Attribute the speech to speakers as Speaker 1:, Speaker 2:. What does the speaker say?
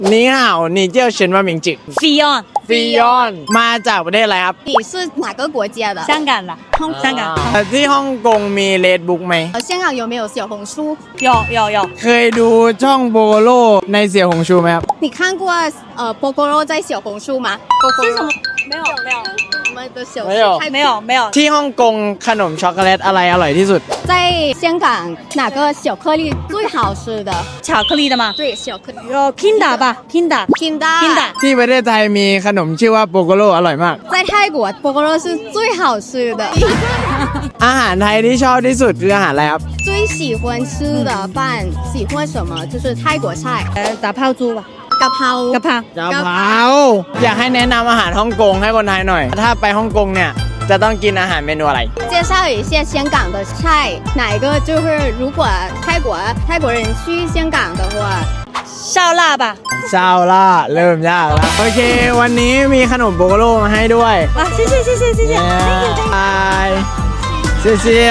Speaker 1: นี่ห่าวนี่เจ้าเฉินว่าหมิงจิ
Speaker 2: ，Fion，
Speaker 1: ฟิยอนมาจากประเทศอะไรครับ
Speaker 3: 你是哪个国家的？
Speaker 2: 香港的，香港，
Speaker 1: ที่ฮ่องกงมีเลดบุ๊กไหม
Speaker 3: 香港有没有小红书？
Speaker 2: 有，
Speaker 1: เคยดูช่องโบโลในเสี่ยวหงชูไหมครับ
Speaker 3: 你看过波波肉在小红书吗？波波肉
Speaker 2: 没有
Speaker 3: 我们的小
Speaker 1: 没有
Speaker 2: 没有，
Speaker 1: ที่ฮ่องกงขนมช็อกโกแลตอะไรอร่อยที่สุด
Speaker 3: 在香港哪个小颗粒最好吃的？
Speaker 2: 巧克力的吗？
Speaker 3: 对，小颗粒。
Speaker 2: 有 Kinda 吧，Kinda，
Speaker 3: Kinda。
Speaker 1: ที่ประเทศไทยมีขนมชื่อว่าโปโกโลอร่อยมาก
Speaker 3: 在泰国波波肉是最好吃的。
Speaker 1: อาหารไทยที่ชอบที่สุดคืออาหารอะไรครับ
Speaker 3: 最喜欢吃的饭喜欢什么？就是泰国菜，
Speaker 2: 打泡猪吧，
Speaker 3: กะเพรา
Speaker 2: กะเพรา
Speaker 1: กะเพราอยากให้แนะนำอาหารฮ่องกงให้คนไทยหน่อย ถ้าไปฮ่องกงเนี่ยจะต้องกินอาหารเมนูอะไร
Speaker 3: 介绍一下香港的菜，哪一个就是如果泰国人去香港的话，
Speaker 2: 烧腊吧，
Speaker 1: ซาวล่าเริ่มยากแล้วโอเค วันนี้มีขนมโบโกโลมาให้ด้วย
Speaker 2: 啊，谢谢，
Speaker 1: บายเซีย